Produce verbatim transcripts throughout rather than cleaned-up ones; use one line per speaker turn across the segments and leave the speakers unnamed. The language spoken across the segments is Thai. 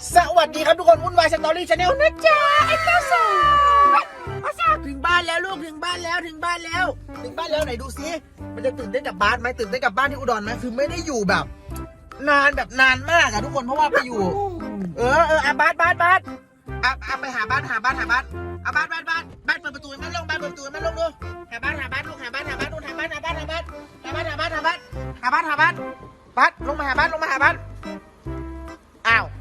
สวัสดีครับทุกคนวุ่นวายสตอรี่ชาแนลนะจ๊ะไอ้เจ้าสาวอาซาถึงบ้านแล้วลูกถึงบ้านแล้วถึงบ้านแล้วถึงบ้านแล้วไหนดูซิมันจะตื่นเต้นกับบ้านไหมตื่นเต้นกับบ้านที่อุดรไหมคือไม่ได้อยู่แบบ นานแบบนานมากอะทุกคนเพราะว่าไปอยู่ เออเอออ่ะบ้านบ้านบ้านอ่ะอ่ะไปหาบ้านหาบ้านหาบ้านอ่ะบ้านบ้านบ้านบ้านเปิดประตูมันลงบ้านเปิดประตูมันลงดูหาบ้านหาบ้านลูกหาบ้านหาบ้านลูกหาบ้านหาบ้านหาบ้านหาบ้านหาบ้านหาบ้านหาบ้านหาบ้านบ้านลงมาหาบ้านลงมาหาบ้านอ้าว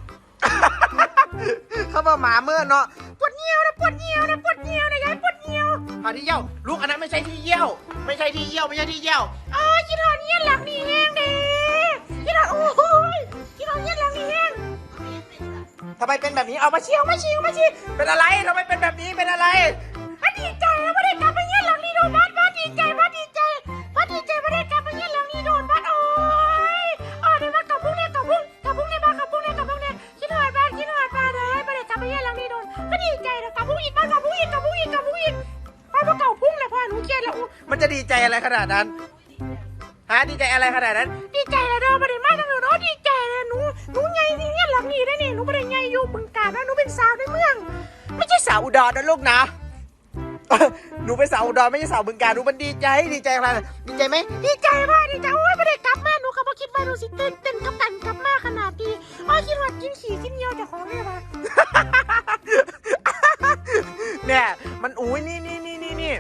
เขาบอกหมาเมื่อเนาะปวดเยี่ยวนะปวดเยี่ยวนะปวดเยี่ยวนะยายปวดเยี่ยวหาที่เยี่ยวลูกอันนั้นไม่ใช่ที่เยี่ยวไม่ใช่ที่เยี่ยวไม่ใช่ที่เยี่ยวอ๋อคิดหอนเยี่ยหลังนี่แห้งเด้คิดหอนโอ้ยคิดหอนเยี่ยหลังนี่แห้งทำไมเป็นแบบนี้เอามาเชี่ยวมาเชี่ยวมาเชี่ยวเป็นอะไรทำไมเป็นแบบนี้เป็นอะไรดีใจแล้วไม่ได้กลับไปเยี่ยหลังนี่โดนบ้านบ้านดีใจบ้านดีใจบ้านดีใจไม่ได้กลับไปเยี่ยหลังนี่โดนบ้านโอ้ยอ๋อเดี๋ยวมากับพุ่งเนี่ยกับพุ่งกับพุ่งเนี่ยมากับพุ่งเนี่ยกับพุ่งเนี่ยคิดหอนบ้านคิดหอนบ้านเลยไม่ได้กลับไปเยี่ยหลังนี่โดนก็ดีใจนะกับพุ่งอีกบ้านกับพุ่งอีกกับพุ่งอีกกับพุ่งอีกบ้านพวกเก่าพุ่งเลยพ่อหนูเครียดแล้วมันจะดีใจอะไรขนาดนั้นฮะดีใจอะไรขนาดนั้นดีใจเลยเด้อไม่ได้มาทางหนูเนาะดีใจเลยหนูหนูใหญ่ที่เนี่ยหลังนี่ได้เนี่ยหนูไม่ได้ใหญ่อยู่บึงกาฬนะหนูเป็นสาวในเมืองไม่ใช่สาวอุดรนะลูกนะหนูเป็นสาวอุดรไม่ใช่สาวบึงกาฬหนูมันดีใจดีใจอะไรดีใจไหมดีใจมากดีใจโอ้ยไม่ได้กลับมาหนูก็บ่คิดว่าหนูสิตื่นเต้นกับกันกลับมาขนาดนี้อ๋อคิดว่ากินขี่กินเยี่ยวแต่ของเนี่ยมาเนี่ยมันอุ้ยนี่นี่นี่นี่นี่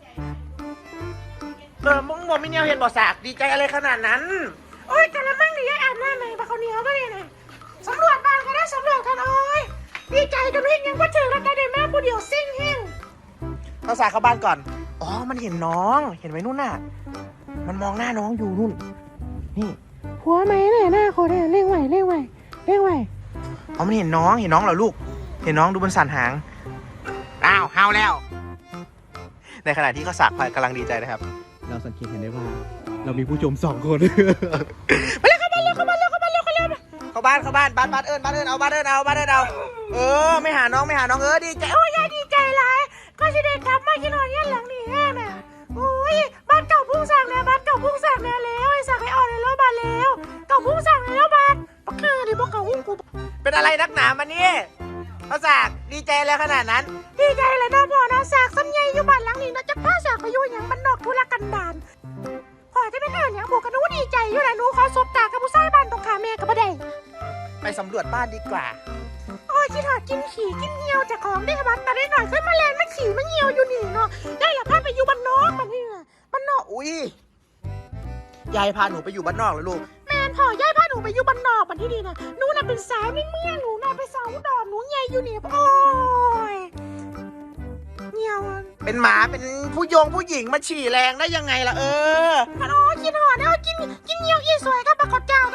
เออมึงบอกไม่เนียวเห็นบ่สากดีใจอะไรขนาดนั้นโอ้ยแต่ละมั่งนี่ยายอาบน้ำไหมปะเขาเหนียวก็เนี่ยนะสำรวจบ้านก็ได้สำรวจกันโอ้ยดีใจจนเห็นยังว่าเจอแล้วได้แม่ผู้เดียวซิ่งแห้งเอาสากเข้าบ้านก่อนอ๋อมันเห็นน้องเห็นไหมนู่นน่ะมันมองหน้าน้องอยู่นู่นนี่หัวไหมเนี่ยหน้าเขาเนี่ยเร่งไหวเร่งไหวเร่งไหวอ๋อมันเห็นน้องเห็นน้องเหรอลูกเห็นน้องดูบนสันหางอ้าวเฮาแล้วในขณะที่เขาสากกำลังดีใจนะครับ
เราสังเกตเห็นได้ว่าเรามีผู้ชมสองคน
มาเลยเข้าบ้านเร็วเข้าบ้านเร็วเข้าบ้านเร็วเข้าเร็วเข้าบ้านเข้าบ้านบ้านบ้านเอิญบ้านเอิญเอาบ้านเอิญเอาบ้านเอิญเอาเออไม่หาน้องไม่หาน้องเออดีใจโอ้ยยายดีใจหลายก็จะได้กลับมากินนอนยันหลังนี่แห้งน่ะโอ้ยบ้านเก่าพุ่งสั่งแล้วบ้านเก่าพุ่งสั่งแล้วแล้วไอ้สั่งให้อ่อนเลยแล้วบ้านแล้วเก่าพุ่งสั่งแล้วบ้านปักเกอร์ดิบอกเก่าพุ่งกูเป็นอะไรนักหนามานี่เขาสากดีใจแล้วขนาดนั้นดีใจเลยนะพ่อนะสากซ้ำใหญ่อยู่บ้านหลังนี้นะจะพาสากไปอยู่อย่างบ้านนอกทุรกันดารพ่อจะเป็นเรื่องอย่างหมูกันหนูดีใจอยู่แหละหนูขอสบตากับผู้ชายบ้านตรงขาแม่กับบ่ได้ไปสำรวจบ้านดีกว่าโอ้ยคิดหอดกินขี่กินเหี่ยวจากของได้บ้านตาได้หน่อยขึ้นมาแลนมาขี่มาเหี่ยวอยู่นี่เนาะได้ละพาไปอยู่บ้านนอกบ้านนี่บ้านนอกอุ้ยยายพาหนูไปอยู่บ้านนอกแล้วลูกแม่พ่อยายพาหนูไปอยู่บ้านนอกบ้านที่ดีนะหนูน่ะเป็นสาวในเมืองหนูน่ะเป็นสาวอุดรหนูใหญ่อยู่นี่โอ้ยเหี่ยวเป็นหมาเป็นผู้โยงผู้หญิงมาฉี่แรงได้ยังไงล่ะเออพันอ๋อกินหอดเอากินกินเหี่ยวอีสวยกับปลาขอดเจ้า